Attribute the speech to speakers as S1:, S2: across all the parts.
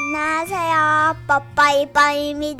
S1: 안녕하세요. 뽀뽀이뽀입니다.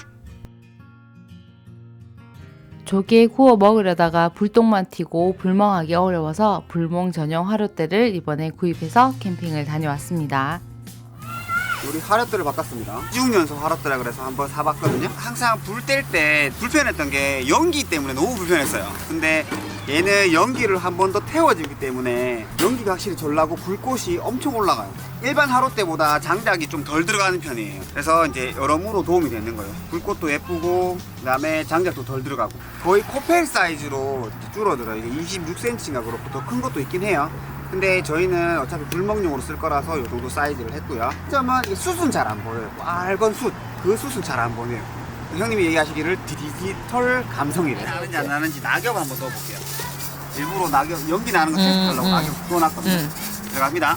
S2: 조개 구워 먹으려다가 불똥만 튀고 불멍하기 어려워서 불멍 전용 화롯대를 이번에 구입해서 캠핑을 다녀왔습니다.
S3: 우리 화롯대를 바꿨습니다. 6년속 화롯대라 그래서 한번 사봤거든요. 항상 불 뗄 때 불편했던 게 연기 때문에 너무 불편했어요. 근데 얘는 연기를 한 번 더 태워주기 때문에 연기가 확실히 덜 나고 불꽃이 엄청 올라가요. 일반 화롯대보다 장작이 좀 덜 들어가는 편이에요. 그래서 이제 여러모로 도움이 되는 거예요. 불꽃도 예쁘고 그다음에 장작도 덜 들어가고 거의 코펠 사이즈로 줄어들어요. 이게 26cm인가 그렇고 더 큰 것도 있긴 해요. 근데 저희는 어차피 불멍용으로 쓸 거라서 이 정도 사이즈를 했고요. 점은 이게 숯은 잘 안 보여요. 빨간 숯, 그 숯은 잘 안 보여요. 형님이 얘기하시기를 디지털 감성이래요. 나는지 안 나는지 낙엽 한번 넣어볼게요. 일부러 낙엽, 연기 나는 거 테스트하려고 낙엽 넣어놨거든요. 들어갑니다.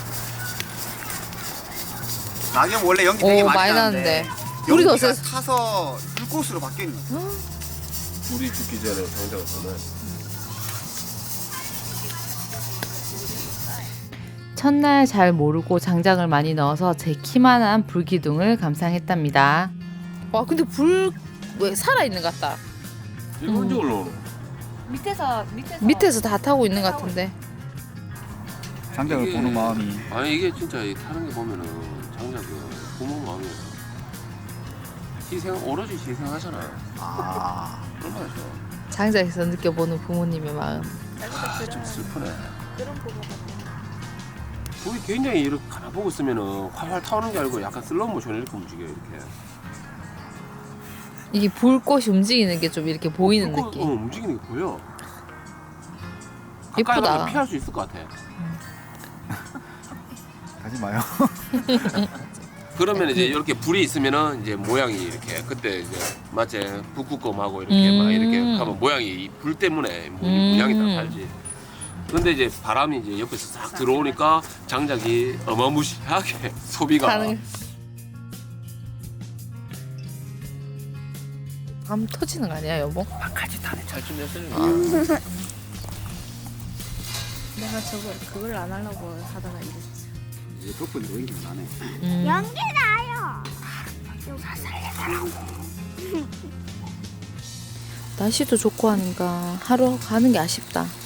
S3: 낙엽 원래 연기 되게 많이 나는데
S2: 불이 더
S3: 연기가
S2: 세서
S3: 타서 불꽃으로 바뀌는 거예요.
S4: 불이 죽기 전에 장작을 넣어놔야지.
S2: 첫날 잘 모르고 장작을 많이 넣어서 제 키만한 불기둥을 감상했답니다.
S5: 와 근데 불 왜 살아있는 것 같다.
S4: 일반적으로
S5: 밑에서 다 타고 있는 것 같은데.
S3: 장작을
S4: 이게-
S3: 보는 마음이
S4: 아니 이게 진짜 타는 게 보면은 장작이 부모 마음이야. 오로지 희생하잖아요. 얼마나 좋아.
S5: 장작에서 느껴보는 부모님의 마음.
S4: 좀 슬프네. 불이 굉장히 이렇게 가만 보고 있으면은 활활 타오는 게 아니고 약간 슬로우 모션 이렇게 움직여요 이렇게.
S5: 이게 불꽃이 움직이는 게 좀 이렇게 보이는
S4: 불꽃,
S5: 느낌.
S4: 움직이는 게 보여. 가까이
S5: 예쁘다.
S4: 가면 피할 수 있을 것 같아.
S3: 가지 마요.
S4: 그러면 이제 이렇게 불이 있으면은 이제 모양이 이렇게 그때 이제 마치 북극곰하고 이렇게 막 이렇게 하면 모양이 이 불 때문에 모양이 다 달지. 근데 이제 바람이 이제 옆에서 싹 들어오니까 장작이 어마무시하게 소비가
S5: 가능. 밤 터지는 거 아니야 여보?
S4: 같이 타네 잘좀 했어요.
S6: 내가 그걸 안 하려고 하다가 이랬지.
S3: 이제 덕분에 연기가 나네.
S1: 연기 나요.
S5: 날씨도 좋고 하니까 하루 가는 게 아쉽다.